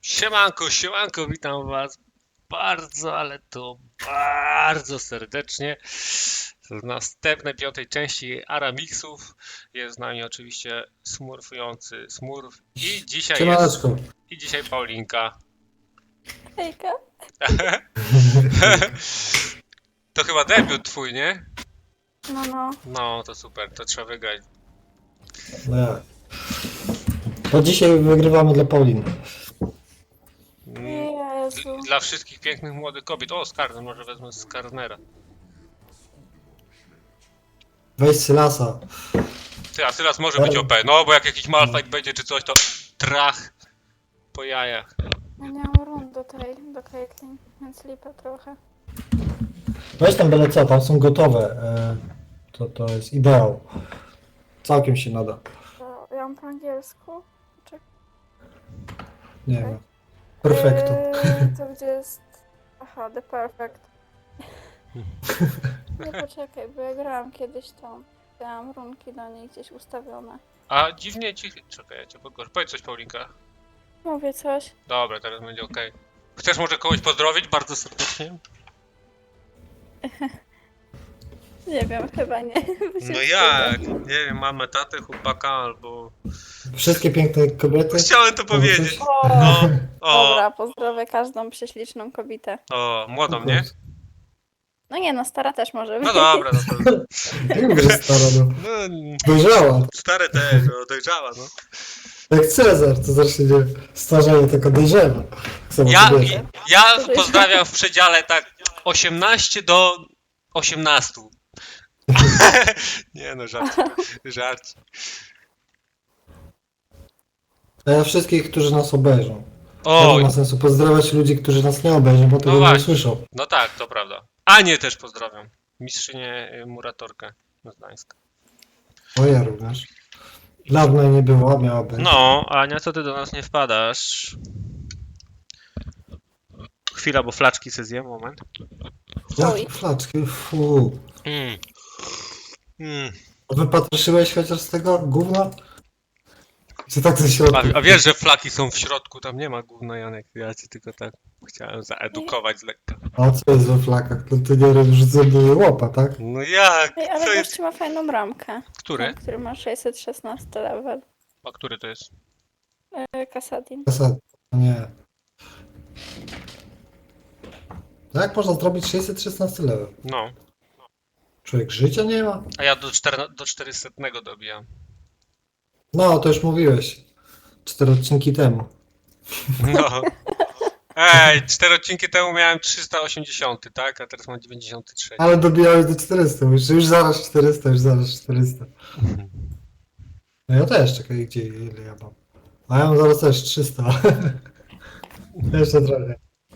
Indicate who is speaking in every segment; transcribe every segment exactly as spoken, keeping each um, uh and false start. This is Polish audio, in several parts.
Speaker 1: Siemanko, siemanko, witam was bardzo, ale to bardzo serdecznie w następnej piątej części Aramixów. Jest z nami oczywiście smurfujący Smurf i dzisiaj jest,
Speaker 2: Siemaneczko.
Speaker 1: i dzisiaj Paulinka.
Speaker 3: Hejka.
Speaker 1: To chyba debiut twój, nie?
Speaker 3: No, no.
Speaker 1: No, to super, to trzeba wygrać.
Speaker 2: No jak? To dzisiaj wygrywamy dla Pauliny.
Speaker 1: Mm,
Speaker 3: Jezu.
Speaker 1: Dla wszystkich pięknych młodych kobiet. O, Skarner, może wezmę Skarnera.
Speaker 2: Weź Sylasa.
Speaker 1: Ty, a Sylas może być O P, no bo jak jakiś malfight będzie czy coś, to trach po jajach.
Speaker 3: Ja nie mam rund do tej, do Caitlyn, więc lipa trochę.
Speaker 2: Weź tam byle co, tam są gotowe. E, to, to jest ideał. Całkiem się nada.
Speaker 3: To ja mam po angielsku. Czek.
Speaker 2: Nie wiem. Perfekto.
Speaker 3: Eee, to gdzie jest... Aha, the perfect. Nie, poczekaj, bo ja grałam kiedyś tą. Miałam runki do niej gdzieś ustawione.
Speaker 1: A dziwnie cichy. Czekaj, ja cię podgłoszę. Powiedz coś, Paulinka.
Speaker 3: Mówię coś.
Speaker 1: Dobra, teraz będzie ok. Chcesz może kogoś pozdrowić bardzo serdecznie?
Speaker 3: Nie wiem, chyba nie. bo się
Speaker 1: No
Speaker 3: wstydzę.
Speaker 1: jak? Nie wiem, mamę, tatę, chłopaka albo...
Speaker 2: Wszystkie piękne kobiety.
Speaker 1: Chciałem to powiedzieć.
Speaker 3: O,
Speaker 1: No, o,
Speaker 3: dobra, pozdrowię każdą prześliczną kobietę.
Speaker 1: o, młodą, nie?
Speaker 3: No nie, no stara też może być.
Speaker 1: No dobra, no to...
Speaker 2: Nie mówię, że stara, no.
Speaker 1: No,
Speaker 2: Dojrzała.
Speaker 1: stare też, no, dojrzała, no.
Speaker 2: Jak Cezar, to zawsze nie starzeje, tylko dojrzewa. Tak samo
Speaker 1: Ja,
Speaker 2: kobiety.
Speaker 1: ja pozdrawiam w przedziale tak osiemnaście do osiemnastu. Nie no, żart, żart.
Speaker 2: A ja wszystkich, którzy nas obejrzą.
Speaker 1: O,
Speaker 2: Nie ma sensu pozdrawiać ludzi, którzy nas nie obejrzą, bo tego nie
Speaker 1: właśnie.
Speaker 2: usłyszą.
Speaker 1: no tak, to prawda. Anię też pozdrawiam. Mistrzynię y, Muratorkę z Gdańska.
Speaker 2: O ja również. Dawno jej nie było, a miała być.
Speaker 1: No, Ania, co ty do nas nie wpadasz? Chwila, bo flaczki se zjem, moment.
Speaker 2: Jakie flaczki, fu.
Speaker 1: Mm. Mm.
Speaker 2: Wypatrzyłeś chociaż z tego gówna? Czy tak ze środka?
Speaker 1: A, a wiesz, że flaki są w środku, tam nie ma gówna, Janek. Ja ci tylko tak chciałem zaedukować z lekka.
Speaker 2: A co jest we flakach? No to nie rzucę do łopa, tak?
Speaker 1: No jak?
Speaker 3: Ej, ale
Speaker 1: To jest...
Speaker 3: gościu ma fajną ramkę.
Speaker 1: Który?
Speaker 3: Ten, który ma sześćset szesnasty level.
Speaker 1: A który to jest?
Speaker 3: Yy, Kasadin.
Speaker 2: Zasad. Nie. No jak można zrobić sześćset szesnaście level?
Speaker 1: No.
Speaker 2: Człowiek życia nie ma?
Speaker 1: A ja do, czterna- do czterysta dobijam.
Speaker 2: No, to już mówiłeś. Cztery odcinki temu.
Speaker 1: No. Ej, cztery odcinki temu miałem trzysta osiemdziesiąt, tak? A teraz mam dziewięćdziesiąt trzy.
Speaker 2: Ale dobijałeś do czterysta, już, już zaraz czterysta, już zaraz czterysta. No ja też, czekaj, gdzie, ile ja mam? A ja mam zaraz też trzysta. Jeszcze trochę.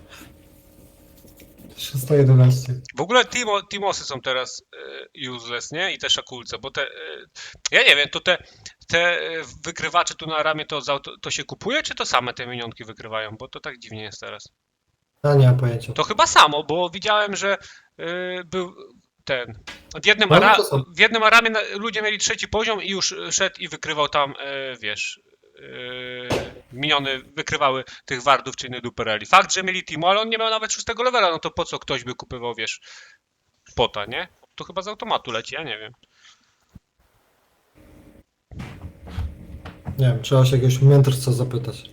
Speaker 2: trzysta jedenaście.
Speaker 1: W ogóle Timo, Timosy są teraz y, useless, nie? I te szakulce, bo te... Y, ja nie wiem, to te, te y, wykrywacze tu na ramię to, za- to, to się kupuje, czy to same te minionki wykrywają? Bo to tak dziwnie jest teraz.
Speaker 2: Ja nie mam pojęcia.
Speaker 1: To chyba samo, bo widziałem, że y, był ten... W jednym,
Speaker 2: No, no
Speaker 1: ara-
Speaker 2: to są.
Speaker 1: w jednym aramie na, ludzie mieli trzeci poziom i już szedł i wykrywał tam, y, wiesz... Yy, miniony wykrywały tych wardów czy innych dupereli. Fakt, że mieli Timo, ale on nie miał nawet szóstego levela, no to po co ktoś by kupywał, wiesz, pota, nie? To chyba z automatu leci, ja nie wiem.
Speaker 2: Nie wiem, trzeba się jakiegoś mędrca zapytać.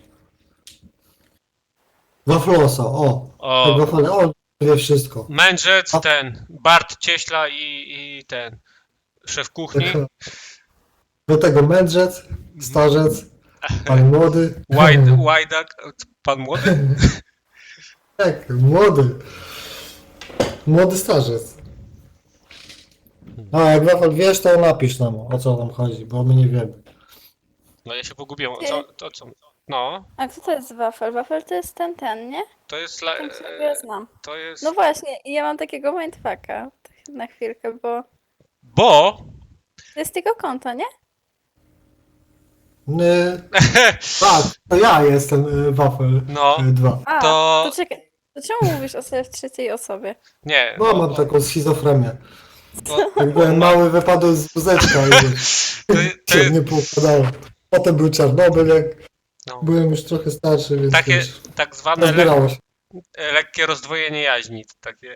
Speaker 2: Waflosa, o!
Speaker 1: O,
Speaker 2: Tak, Wafle, o, wie wszystko.
Speaker 1: Mędrzec,
Speaker 2: A-
Speaker 1: ten, Bart Cieśla i, i ten, szef kuchni,
Speaker 2: Do tego mędrzec, starzec, pan młody.
Speaker 1: Łajdak, Łajdak, pan młody?
Speaker 2: Tak, młody. Młody starzec. A jak Wafel wiesz, to napisz nam, o co tam chodzi, bo my nie wiemy.
Speaker 1: No ja się pogubiłem, o co, to co? No,
Speaker 3: A kto to jest Wafel? Wafel to jest ten, ten, nie?
Speaker 1: to jest, la,
Speaker 3: Ten, którego ja znam.
Speaker 1: to jest,
Speaker 3: No właśnie, i ja mam takiego mindfucka na chwilkę, bo
Speaker 1: bo,
Speaker 3: to jest jego konto, nie?
Speaker 2: Nie. Tak, to ja jestem y, Wafel
Speaker 1: no,
Speaker 2: dwa.
Speaker 3: A,
Speaker 1: To-
Speaker 3: to czekaj. To czemu mówisz o sobie w trzeciej osobie?
Speaker 1: nie,
Speaker 2: No, mam taką schizofrenię.
Speaker 1: bo,
Speaker 2: Jak byłem mały, wypadłem z wózeczka i
Speaker 1: to, to
Speaker 2: się
Speaker 1: jest,
Speaker 2: nie poukładało. Potem był Czarnobyl, jak
Speaker 1: No.
Speaker 2: Byłem już trochę starszy, więc
Speaker 1: Takie
Speaker 2: wiesz,
Speaker 1: tak zwane le
Speaker 2: rozbierało się.
Speaker 1: lekkie rozdwojenie jaźni. to Takie.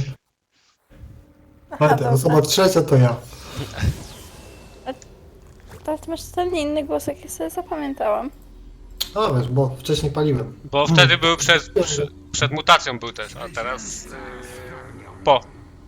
Speaker 3: Aha,
Speaker 2: Pamiętaj,
Speaker 3: dobra.
Speaker 2: osoba trzecia to ja.
Speaker 3: To ty masz totalnie inny głos, jak ja sobie zapamiętałam.
Speaker 2: A wiesz, bo wcześniej paliłem.
Speaker 1: Bo wtedy był przed, przed, przed mutacją był też, a teraz yy, po.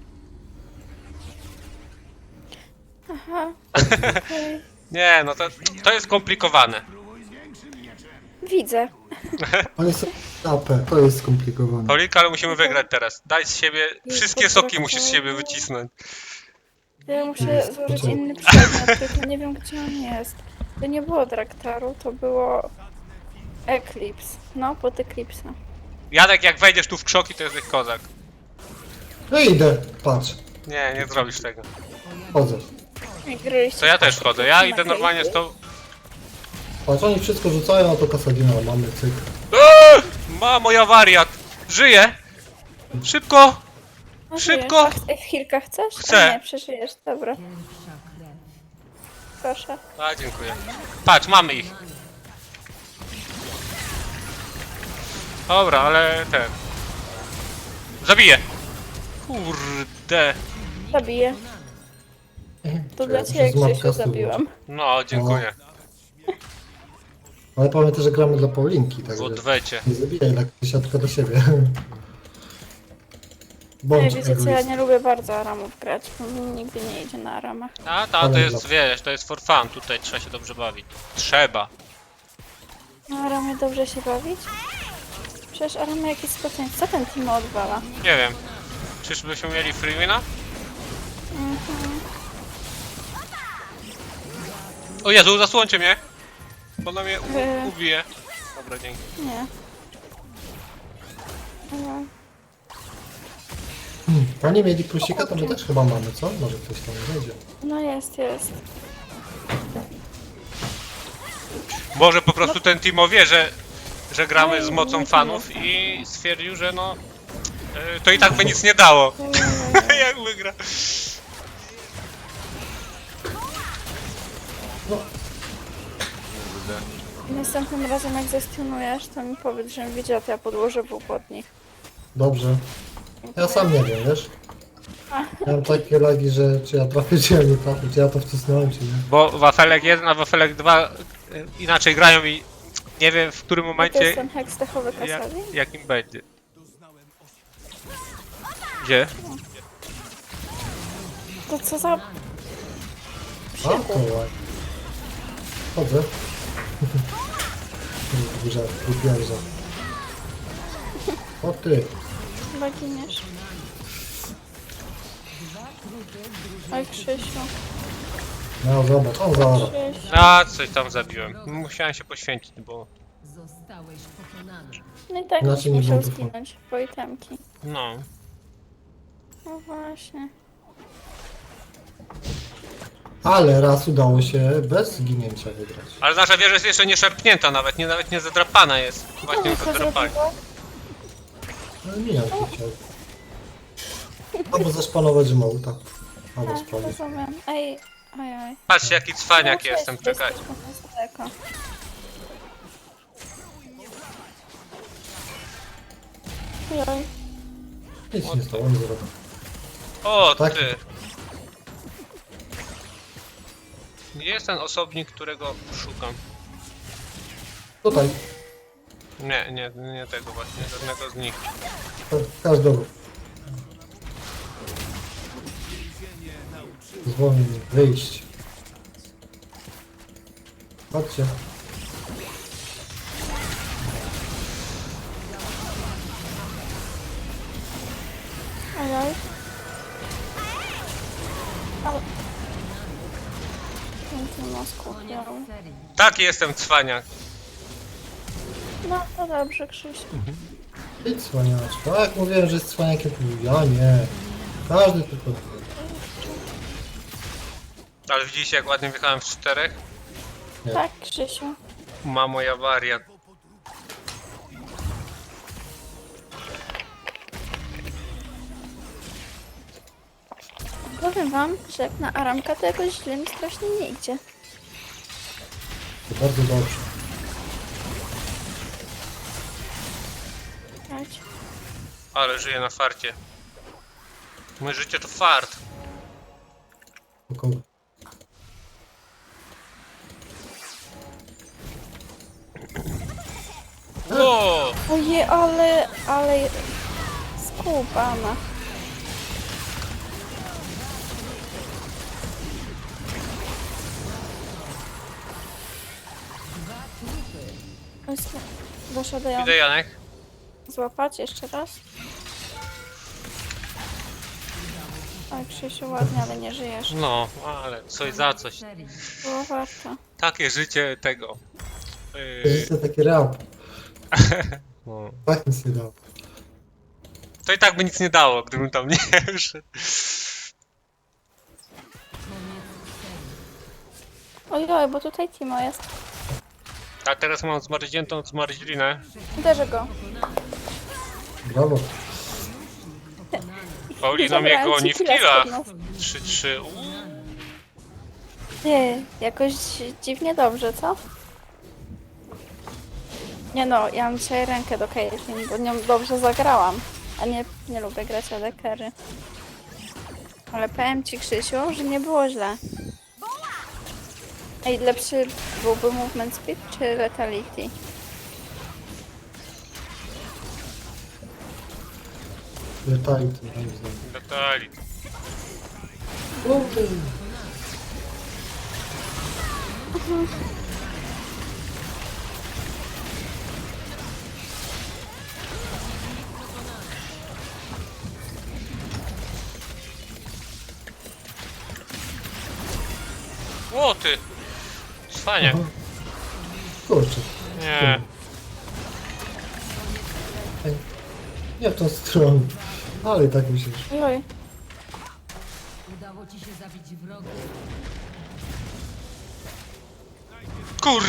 Speaker 3: Aha. Okej.
Speaker 1: Nie, no to, to jest skomplikowane.
Speaker 3: Widzę.
Speaker 2: Oni są A P, to jest skomplikowane.
Speaker 1: Paulika, ale musimy wygrać teraz. Daj z siebie, wszystkie soki musisz z siebie wycisnąć.
Speaker 3: Ja muszę
Speaker 2: Jest,
Speaker 3: złożyć
Speaker 2: poczekaj.
Speaker 3: inny przedmiot, tylko nie wiem gdzie on jest. To nie było Draktaru, to było Eclipse. No, pod Eclipse.
Speaker 1: Janek, jak wejdziesz tu w krzoki, to jesteś kozak.
Speaker 2: No idę, patrz,
Speaker 1: Nie, nie zrobisz tego.
Speaker 2: chodzę.
Speaker 3: Jak gryliście
Speaker 1: To ja też
Speaker 3: w
Speaker 1: chodzę. Ja
Speaker 3: na
Speaker 1: idę normalnie z tą...
Speaker 2: Patrz, oni wszystko rzucają, a to Kasadina mamy, cyk.
Speaker 1: Eee! Mamo, ja wariat! Żyję! Szybko!
Speaker 3: A,
Speaker 1: Szybko!
Speaker 3: żyjesz? A w chwilkę chcesz?
Speaker 1: Chcę.
Speaker 3: A nie, przeżyjesz, dobra. Proszę.
Speaker 1: A, dziękuję. Patrz, mamy ich. Dobra, ale ten... Zabiję! Kurde.
Speaker 3: Zabiję. To dla
Speaker 2: muszę
Speaker 3: ciebie,
Speaker 2: z mapka
Speaker 3: Krzysiu,
Speaker 2: stół
Speaker 3: zabiłam.
Speaker 1: No, dziękuję.
Speaker 2: Ale pamiętaj, że gramy dla Paulinki,
Speaker 1: W
Speaker 2: także
Speaker 1: odwecie.
Speaker 2: nie zabijaj tak siatka do siebie.
Speaker 3: Nie,
Speaker 2: Bądź
Speaker 3: wiecie co, ja
Speaker 2: egoistą.
Speaker 3: nie lubię bardzo aramów grać, bo mi nigdy nie idzie na aramach.
Speaker 1: A, ta, to
Speaker 2: Ale
Speaker 1: jest,
Speaker 2: dla-
Speaker 1: wiesz, to jest for fun. Tutaj trzeba się dobrze bawić. Trzeba.
Speaker 3: Na aramie dobrze się bawić? Przecież aramy jakieś spotkanie. Co ten Timo odwala?
Speaker 1: Nie wiem. Czyżbyśmy mieli freewina?
Speaker 3: Mhm.
Speaker 1: O Jezu, zasłońcie mnie! Bo ona mnie u-
Speaker 3: Yy.
Speaker 1: ubije. Dobra, dzięki.
Speaker 3: Nie. No.
Speaker 2: Hmm, Oni mieli plusika, to my też chyba mamy, co? Może ktoś tam wejdzie.
Speaker 3: No jest, jest.
Speaker 1: Może po prostu ten Timo wie, że, że gramy
Speaker 3: No
Speaker 1: z
Speaker 3: i-
Speaker 1: mocą
Speaker 3: no
Speaker 1: fanów i stwierdził, że no... y, To i tak by nic nie dało. Jak wygra.
Speaker 2: No,
Speaker 3: Następnym razem jak zestunujesz, to mi powiedz, żebym wiedziała, to ja podłożę wół pod nich.
Speaker 2: dobrze. Ja sam nie wiem, wiesz? Miałem takie lagi, że czy ja trafię, czy ja nie trafię, czy ja to wcisnąłem, czy nie.
Speaker 1: Bo Wafelek jeden, a Wafelek dwa y, inaczej grają i nie wiem w którym
Speaker 3: To jest
Speaker 1: momencie
Speaker 3: ten heks dechowy
Speaker 1: jak,
Speaker 3: Kasadin?
Speaker 1: jakim będzie. Gdzie?
Speaker 3: To co za...
Speaker 2: A, to ładnie. Chodzę. Duża, głupia. O ty.
Speaker 3: Chyba giniesz. Oj, Krzysiu.
Speaker 2: No zobacz, on zaora.
Speaker 3: Krzysiu.
Speaker 1: A, coś tam zabiłem. Musiałem się poświęcić, bo...
Speaker 4: Zostałeś pokonany.
Speaker 3: No i tak
Speaker 2: Znaczy
Speaker 3: byś
Speaker 2: nie
Speaker 3: musiał
Speaker 2: było.
Speaker 3: zginąć, bo itemki.
Speaker 1: No.
Speaker 3: No właśnie.
Speaker 2: Ale raz udało się bez zginięcia wygrać.
Speaker 1: Ale nasza wieża jest jeszcze nie szarpnięta nawet, nie, nawet nie zadrapana jest. Właśnie ją
Speaker 3: Co
Speaker 1: zadrapali.
Speaker 3: zrobiła?
Speaker 2: No minion chciał. Albo zaszpanować Żmołta. Albo
Speaker 3: Tak,
Speaker 2: sprawdzić.
Speaker 3: rozumiem. Ej, oj, oj.
Speaker 1: Patrzcie jaki cwaniak
Speaker 3: No,
Speaker 1: jestem,
Speaker 3: cześć,
Speaker 1: czekaj.
Speaker 3: jesteśmy na daleko. Oj, oj.
Speaker 2: Nic nie stało, nie zrobił.
Speaker 1: O,
Speaker 2: Tak.
Speaker 1: ty. Gdzie jest ten osobnik, którego szukam?
Speaker 2: Tutaj,
Speaker 1: Nie, nie, nie tego właśnie, żadnego z nich.
Speaker 2: każdego. Zwolnij, wyjść. Chodźcie.
Speaker 3: Oj, oj. Ale... Piękny mózg upiał.
Speaker 4: Serii.
Speaker 1: Taki jestem cwaniak.
Speaker 3: No to dobrze, Krzysiu.
Speaker 2: Idź cwaniaczko. A jak mówiłem, że jest cwaniakiem, to mówił, ja nie. Każdy tylko...
Speaker 1: Ale widzicie jak ładnie wjechałem w czterech?
Speaker 2: Nie.
Speaker 3: Tak, Krzysiu.
Speaker 1: Mamo, ja wariat.
Speaker 3: Powiem wam, że jak na aramka to jakoś źle mi strasznie nie idzie.
Speaker 2: To bardzo dobrze.
Speaker 3: umierać.
Speaker 1: Ale żyję na farcie. Moje życie to fart.
Speaker 2: Około.
Speaker 1: Ło!
Speaker 3: Ojej, ale, ale skubana. Doszedł
Speaker 1: Idę, Janek.
Speaker 3: złapać jeszcze raz. Oj, Krzysiu, ładnie, ale nie żyjesz.
Speaker 1: No, ale coś za coś.
Speaker 4: Serii.
Speaker 3: Było warto.
Speaker 1: Takie życie tego. Yy,
Speaker 2: Życie takie rap.
Speaker 1: no.
Speaker 2: Tak nic nie dało.
Speaker 1: To i tak by nic nie dało, gdybym tam nie wszedł.
Speaker 3: Ojoj, bo tutaj Timo jest.
Speaker 1: A teraz mam zmarzniętą zmarzlinę.
Speaker 3: Uderzę go.
Speaker 2: Brawo.
Speaker 1: Paulina mnie
Speaker 3: Zabrałem
Speaker 1: goni
Speaker 3: ci
Speaker 1: w
Speaker 3: killa
Speaker 1: killach.
Speaker 3: spod nosa.
Speaker 1: trzy trzy.
Speaker 3: Nie, jakoś dziwnie dobrze, co? Nie no, ja mam dzisiaj rękę do Caitlyn, bo nią dobrze zagrałam. A nie, nie lubię grać o dekery. Ale powiem ci, Krzysiu, że nie było źle. Ej, lepszy byłby movement speed czy lethality?
Speaker 2: Letality, moim zdaniem.
Speaker 1: Detali. O ty! Cwanie.
Speaker 2: Aha. Kurczę.
Speaker 1: Nie.
Speaker 2: Ej, nie w tą stronę. Ale i tak mi się...
Speaker 3: Oj,
Speaker 4: Udało ci się zabić wroga.
Speaker 1: Kur...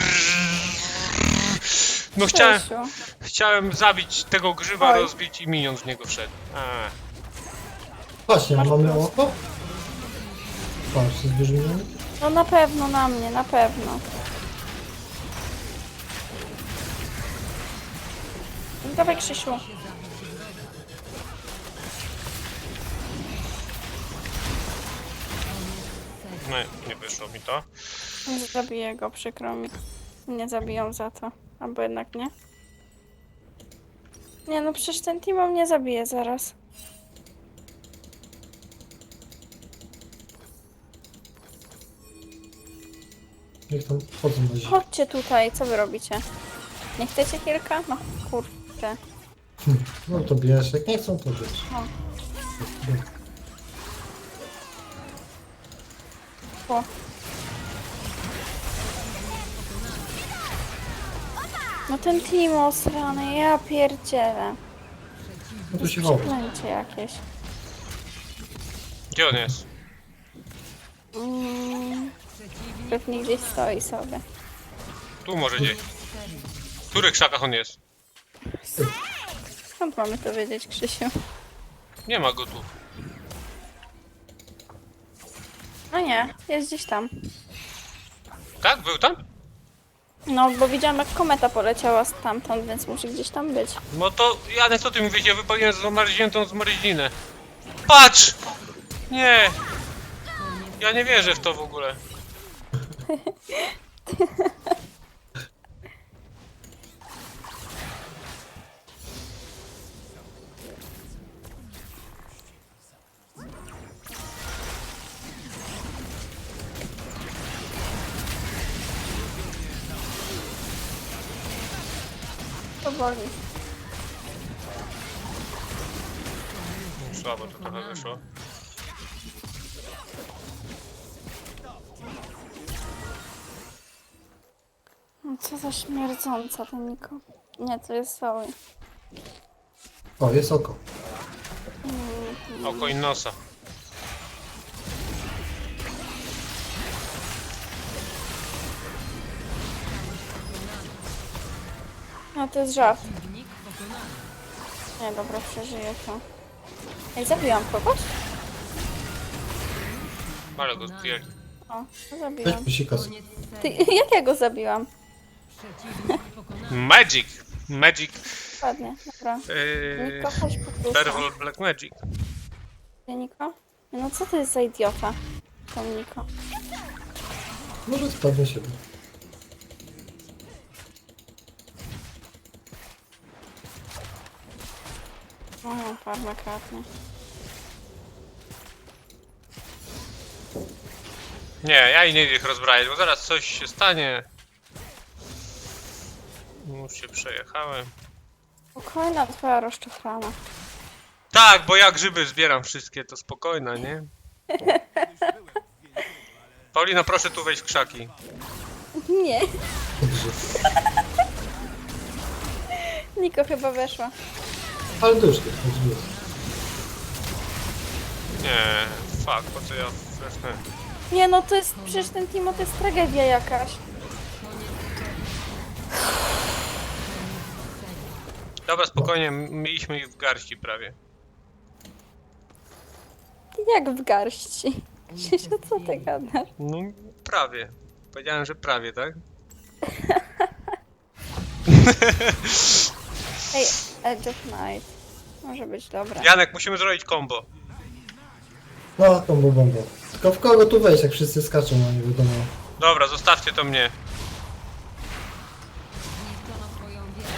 Speaker 1: No chciałem,
Speaker 3: Krzysiu.
Speaker 1: chciałem zabić tego grzyba,
Speaker 3: Oj.
Speaker 1: rozbić i minion w niego wszedł. A.
Speaker 2: Właśnie,
Speaker 3: Masz
Speaker 2: mamy
Speaker 3: plus.
Speaker 2: oko? Patrz, zbierzemy.
Speaker 3: No na pewno na mnie, na pewno. Dawaj, Krzysiu.
Speaker 1: No, nie wyszło mi to.
Speaker 3: Nie zabiję go, przykro mi. Nie zabiją za to. Albo jednak nie. Nie no, przecież ten Timo mnie zabije zaraz.
Speaker 2: Niech tam wchodzą na zimę.
Speaker 3: Chodźcie tutaj, co wy robicie? Nie chcecie kilka? No kurde.
Speaker 2: No to bierz, jak nie chcą, to bierz.
Speaker 3: O. O. No ten Timo srany, ja pierdzielę.
Speaker 2: No to się chowa.
Speaker 3: Przeklęcie jakieś.
Speaker 1: Gdzie on jest?
Speaker 3: Mm, pewnie gdzieś stoi sobie.
Speaker 1: Tu może gdzieś. W których krzakach on jest?
Speaker 3: Skąd mamy to wiedzieć, Krzysiu?
Speaker 1: Nie ma go tu.
Speaker 3: No nie, jest gdzieś tam.
Speaker 1: Tak? Był tam?
Speaker 3: No, bo widziałam jak kometa poleciała stamtąd, więc musi gdzieś tam być.
Speaker 1: No to Janek, co ty mówisz? Ja wypełniłem zamarzniętą zmarzlinę. Patrz! Nie! Ja nie wierzę w to w ogóle.
Speaker 3: Powoli.
Speaker 1: Słabo to trochę wyszło.
Speaker 3: No co za śmierdząca ten Niko. Nie, to jest Zoe.
Speaker 2: O, jest oko.
Speaker 1: Oko i nosa.
Speaker 3: No to jest żart. Nie, dobra, przeżyję to. Ej, zabiłam kogoś?
Speaker 1: Ale go zdjęli.
Speaker 3: O, no
Speaker 2: Weź
Speaker 3: zabiłam.
Speaker 2: psika.
Speaker 4: Koniec
Speaker 3: Ty,
Speaker 4: serii.
Speaker 3: jak ja go zabiłam?
Speaker 4: Przeciwnik pokonany.
Speaker 1: Magic! Magic
Speaker 3: Ładnie, dobra.
Speaker 1: Yy,
Speaker 3: Niko, chodź po
Speaker 1: Perwol Black Magic.
Speaker 3: Niko? No co to jest za idiota? To Niko.
Speaker 2: Może spadnie siebie.
Speaker 3: O, farma kradnie.
Speaker 1: Nie, ja i nie idę ich rozbrajać, bo zaraz coś się stanie. Już się przejechałem.
Speaker 3: Spokojna twoja rozczochrana.
Speaker 1: Tak, bo ja grzyby zbieram wszystkie, to spokojna, nie? Paulina, proszę tu wejść w krzaki.
Speaker 3: Nie,
Speaker 2: Grzyb.
Speaker 3: Niko chyba weszła.
Speaker 2: Ale duszki, to drzwi.
Speaker 1: Nie, fuck, po co ja weszłem?
Speaker 3: Nie no, to jest, przecież ten Timo to jest tragedia jakaś.
Speaker 1: Dobra, spokojnie, m- mieliśmy ich w garści prawie.
Speaker 3: Jak w garści. Krzysiu, co ty gadasz?
Speaker 1: No, prawie. Powiedziałem, że prawie, tak?
Speaker 3: Ej, Edge of Night. Może być dobre.
Speaker 1: Janek, musimy zrobić combo.
Speaker 2: No, to był bomba. Tylko w kogo tu wejść, jak wszyscy skaczą, a nie wiadomo.
Speaker 1: Dobra, zostawcie to mnie.
Speaker 4: Zniszczono twoją wieżę.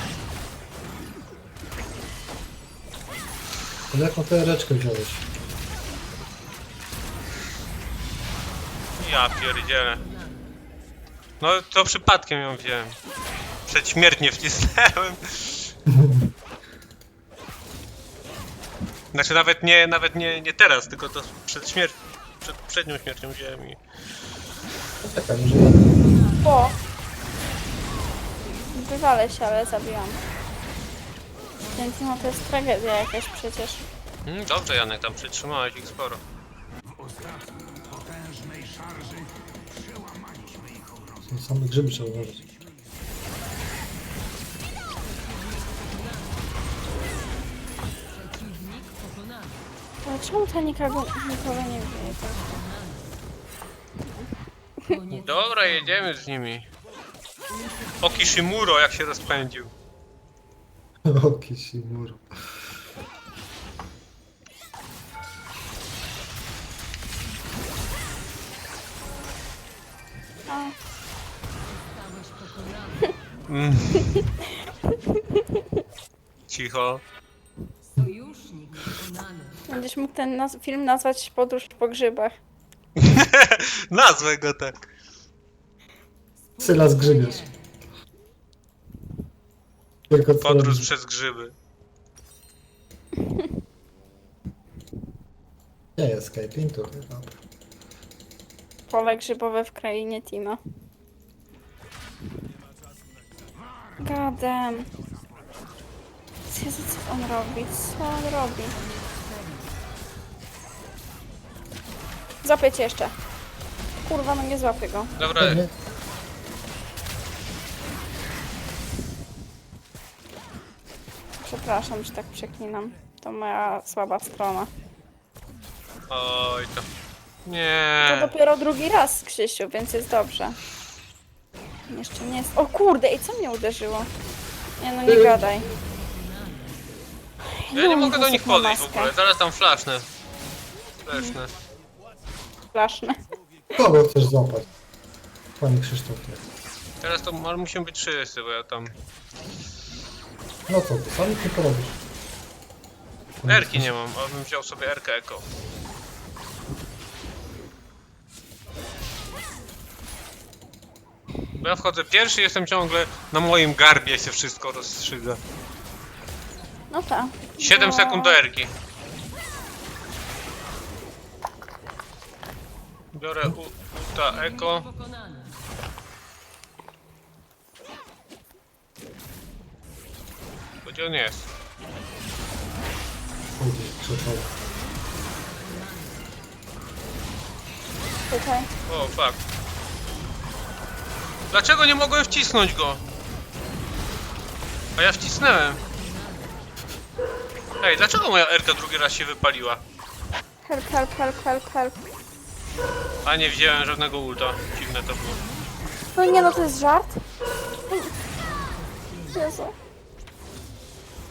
Speaker 2: Ale jaką tę reczkę wziąłeś?
Speaker 1: Ja pierdzielę. No, to przypadkiem ją wziąłem. Przedśmiertnie wcisnąłem. Znaczy nawet nie, nawet nie, nie teraz, tylko to przed śmiercią, przed przednią śmiercią wziąłem i...
Speaker 2: Czekaj, może ja...
Speaker 3: O! Wywalę się, ale zabiłam. Ten Timo to jest tragedia jakaś przecież.
Speaker 1: Mm, dobrze, Janek, tam przytrzymałeś ich sporo.
Speaker 2: Same grzyby trzeba uważać.
Speaker 4: Przeciwnik pokonany.
Speaker 3: Ale czemu to nikogo, nikogo nie wie?
Speaker 4: Koniec.
Speaker 1: Dobra, jedziemy z nimi. O Kishimuro, jak się rozpędził.
Speaker 2: O, Kishimuro.
Speaker 3: A,
Speaker 4: Zostałeś pokonany.
Speaker 1: Mm. Cicho.
Speaker 4: Sojusznik pokonany.
Speaker 3: będziesz mógł ten naz film nazwać Podróż po grzybach.
Speaker 1: Nazwę go tak.
Speaker 2: Sylas grzybiarz. Tylko co
Speaker 1: Podróż
Speaker 2: robisz?
Speaker 1: przez grzyby.
Speaker 2: Nie jest escaping tu. Dobra.
Speaker 3: Pole grzybowe w krainie Timo. Gadem. Jezu, co on robi? Co on robi? Złapię cię jeszcze. Kurwa, no nie złapię go.
Speaker 1: Dobra,
Speaker 2: Nie?
Speaker 3: Przepraszam, że tak przeklinam. To moja słaba strona.
Speaker 1: oj to.
Speaker 3: To
Speaker 1: Nie.
Speaker 3: dopiero drugi raz, Krzysiu, więc jest dobrze. Jeszcze nie jest... O kurde, i co mnie uderzyło? Nie no, nie gadaj.
Speaker 1: Ja nie
Speaker 3: Ilu
Speaker 1: mogę do nich
Speaker 3: osób ma
Speaker 1: podejść w
Speaker 3: maskę?
Speaker 1: ogóle, zaraz tam flashnę. Flashnę.
Speaker 3: Flaszne.
Speaker 2: Kogo chcesz złapać? Panie Krzysztofie.
Speaker 1: Teraz to ale musimy być wszyscy, bo ja tam...
Speaker 2: No co ty, sam nic nie porobisz.
Speaker 1: Erki nie mam, a bym wziął sobie Erkę Eko. Bo ja wchodzę pierwszy i jestem ciągle na moim garbie się wszystko rozstrzyga.
Speaker 3: No tak.
Speaker 1: siedem
Speaker 3: No.
Speaker 1: sekund do Erki. Biorę u, Uta Eko.
Speaker 4: Pokonany.
Speaker 1: Gdzie on jest?
Speaker 2: Pójdzie krzyżowo.
Speaker 3: Tutaj.
Speaker 1: O, fuck. Dlaczego nie mogłem wcisnąć go? A ja wcisnąłem. Ej, dlaczego moja Erka drugi raz się wypaliła?
Speaker 3: Help, help, help, help, help.
Speaker 1: A nie wziąłem żadnego ulta. Dziwne to było.
Speaker 3: No nie no, to jest żart. Jezu.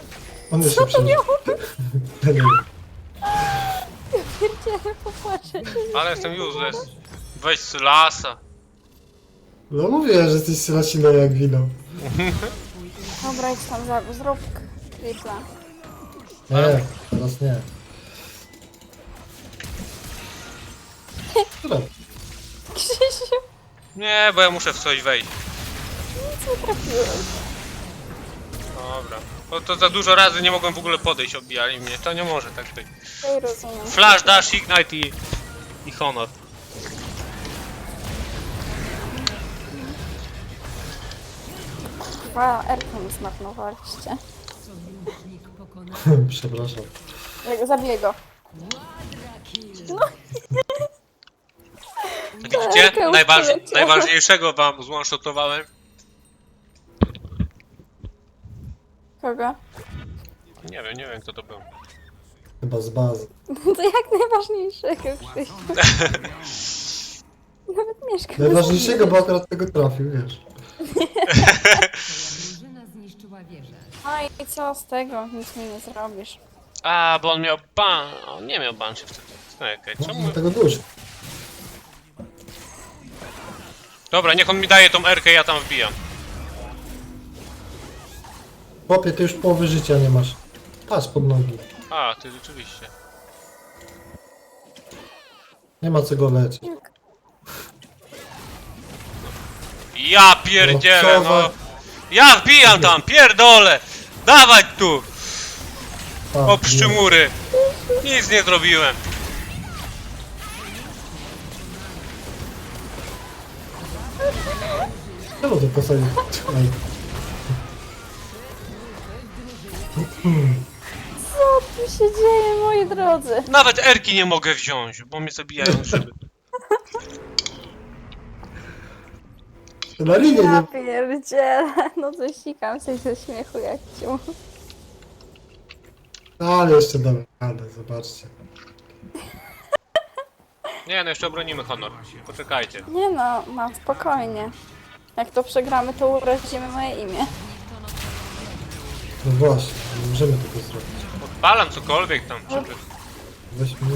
Speaker 2: On jeszcze
Speaker 3: Co to
Speaker 2: przeżył.
Speaker 3: miało?
Speaker 2: Ja nie wiem.
Speaker 3: Pierdziele, popłaczę.
Speaker 1: Ale jestem useless. Weź Sylasa.
Speaker 2: No mówię, że jesteś sylasina jak wino.
Speaker 3: Dobra, idź tam, za- zrób tripla.
Speaker 2: Nie, teraz nie. Dobra.
Speaker 3: Krzysiu,
Speaker 1: Nie, bo ja muszę w coś wejść.
Speaker 3: nic nie trafiłem.
Speaker 1: Dobra. Bo to za dużo razy nie mogłem w ogóle podejść, obijali mnie. To nie może tak być.
Speaker 3: Ej, rozumiem.
Speaker 1: Flash, dash, ignite i... i honor.
Speaker 3: Chyba Erkę mi zmarnowaliście.
Speaker 4: Sojusznik pokonany.
Speaker 2: Przepraszam.
Speaker 3: Jak zabiję go.
Speaker 1: Widzicie?
Speaker 3: Erkę już
Speaker 1: Najważ...
Speaker 3: poleciała.
Speaker 1: Najważniejszego wam złąszotowałem.
Speaker 3: Kogo?
Speaker 1: Nie wiem, nie wiem kto to był.
Speaker 2: Chyba z bazy.
Speaker 3: To jak najważniejszego, Krzysiu. Nawet mieszkam.
Speaker 2: Najważniejszego, bo akurat tego trafił, wiesz.
Speaker 4: Twoja drużyna zniszczyła wieżę.
Speaker 3: No i co z tego? Nic mi nie zrobisz.
Speaker 1: A, bo on miał ban... On nie miał ban się wtedy. Czekaj,
Speaker 2: No,
Speaker 1: czemu...
Speaker 2: tego dużo.
Speaker 1: Dobra, niech on mi daje tą erkę, ja tam wbijam.
Speaker 2: Chłopie, ty już połowy życia nie masz. Patrz pod nogi.
Speaker 1: A, ty rzeczywiście.
Speaker 2: Nie ma co go leczyć.
Speaker 1: Ja pierdzielę,
Speaker 2: No, co
Speaker 1: no.
Speaker 2: za-
Speaker 1: Ja wbijam tam, pierdolę. Dawać tu,
Speaker 2: A,
Speaker 1: o pszczymury. Nic nie zrobiłem.
Speaker 2: nie. Czemu to posadzić? Ej,
Speaker 3: Co tu się dzieje, moi drodzy?
Speaker 1: Nawet erki nie mogę wziąć, bo mnie zabijają szyby.
Speaker 2: Na linię
Speaker 3: Ja
Speaker 2: nie...
Speaker 3: pierdzielę. No to sikam się ze śmiechu jak ciu.
Speaker 2: No, ale jeszcze damy radę, zobaczcie.
Speaker 1: Nie, no jeszcze obronimy honor. Poczekajcie.
Speaker 3: Nie no, mam spokojnie. Jak to przegramy, to urazimy moje imię.
Speaker 2: No właśnie, nie możemy tego zrobić.
Speaker 1: Odpalam cokolwiek tam, żeby...
Speaker 2: Weź mnie.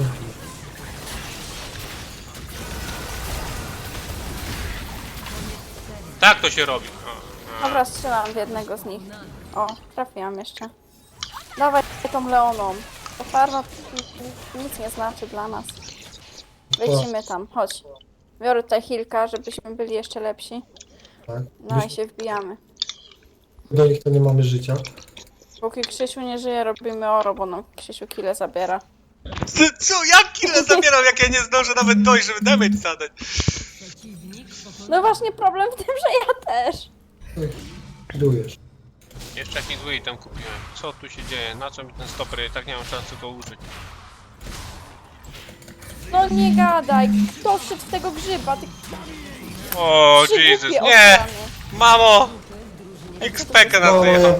Speaker 1: Tak to się robi. O,
Speaker 3: Dobra, strzelam w jednego z nich. O, trafiłam jeszcze. Dawaj tą Leoną. Ta farma nic nie znaczy dla nas. Lecimy tam, chodź. Biorę tutaj Hilka, żebyśmy byli jeszcze lepsi.
Speaker 2: Tak.
Speaker 3: No i się wbijamy.
Speaker 2: Do nich to nie mamy życia.
Speaker 3: Póki Krzysiu nie żyje, robimy oro, bo nam Krzysiu kile zabiera.
Speaker 1: Co, co? Jak kile zabieram, jak ja nie zdążę nawet dojść, żeby damage zadać?
Speaker 4: Przeciwnik pokonany.
Speaker 3: No właśnie problem w tym, że ja też.
Speaker 2: Kidujesz.
Speaker 1: Jeszcze jakiś zły item kupiłem. Co tu się dzieje? Na co mi ten stoper? Ja tak nie mam szansy go użyć.
Speaker 3: No nie gadaj, kto wszedł w tego grzyba? Ty
Speaker 1: O,
Speaker 3: trzy
Speaker 1: Jesus,
Speaker 3: głupie
Speaker 1: nie!
Speaker 3: owczany.
Speaker 1: Mamo! X-P-kę nas
Speaker 2: No,
Speaker 1: wyjechał.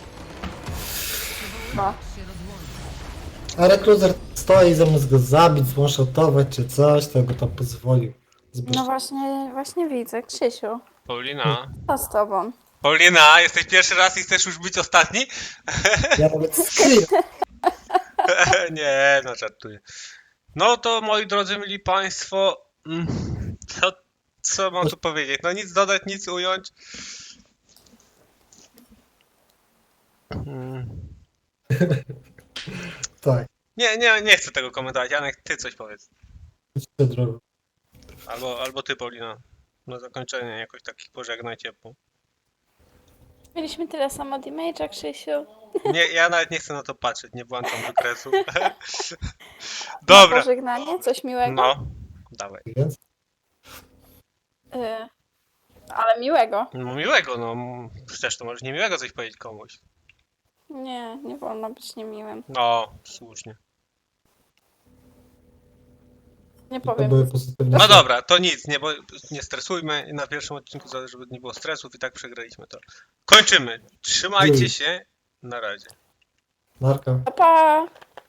Speaker 3: No.
Speaker 2: a rekruter stoi zamiast go zabić, zwanshotować czy coś, to go tam pozwolił. Zbyt...
Speaker 3: No właśnie, właśnie widzę, Krzysiu.
Speaker 1: Paulina.
Speaker 3: Co z tobą?
Speaker 1: Paulina, jesteś pierwszy raz i chcesz już być ostatni?
Speaker 2: Ja nawet skryję.
Speaker 1: Nie, no żartuję. No to moi drodzy, mili państwo, mm, co, co mam tu powiedzieć? No nic dodać, nic ująć. Mm.
Speaker 2: Tak,
Speaker 1: Nie, nie, nie chcę tego komentować. Janek, ty coś powiedz.
Speaker 2: idźcie drogą.
Speaker 1: Albo, albo ty, Paulina. Na zakończenie jakoś takich pożegnaj ciepło.
Speaker 3: Mieliśmy tyle samo damage'a, Krzysiu.
Speaker 1: Nie, ja nawet nie chcę na to patrzeć, nie włączam wykresu.
Speaker 3: Na
Speaker 1: Dobra.
Speaker 3: pożegnanie, coś miłego?
Speaker 1: No, dawaj.
Speaker 2: Więc
Speaker 3: Y, ale miłego.
Speaker 1: No miłego, no. Przecież to możesz niemiłego coś powiedzieć komuś.
Speaker 3: Nie, nie wolno być niemiłym.
Speaker 1: No, słusznie.
Speaker 3: Nie
Speaker 2: to
Speaker 3: powiem.
Speaker 2: były pozytywne.
Speaker 1: No dobra, to nic, nie, bo nie stresujmy. Na pierwszym odcinku, za- żeby nie było stresów i tak przegraliśmy to. Kończymy. Trzymajcie się. Na razie.
Speaker 2: Marka.
Speaker 3: Pa, pa!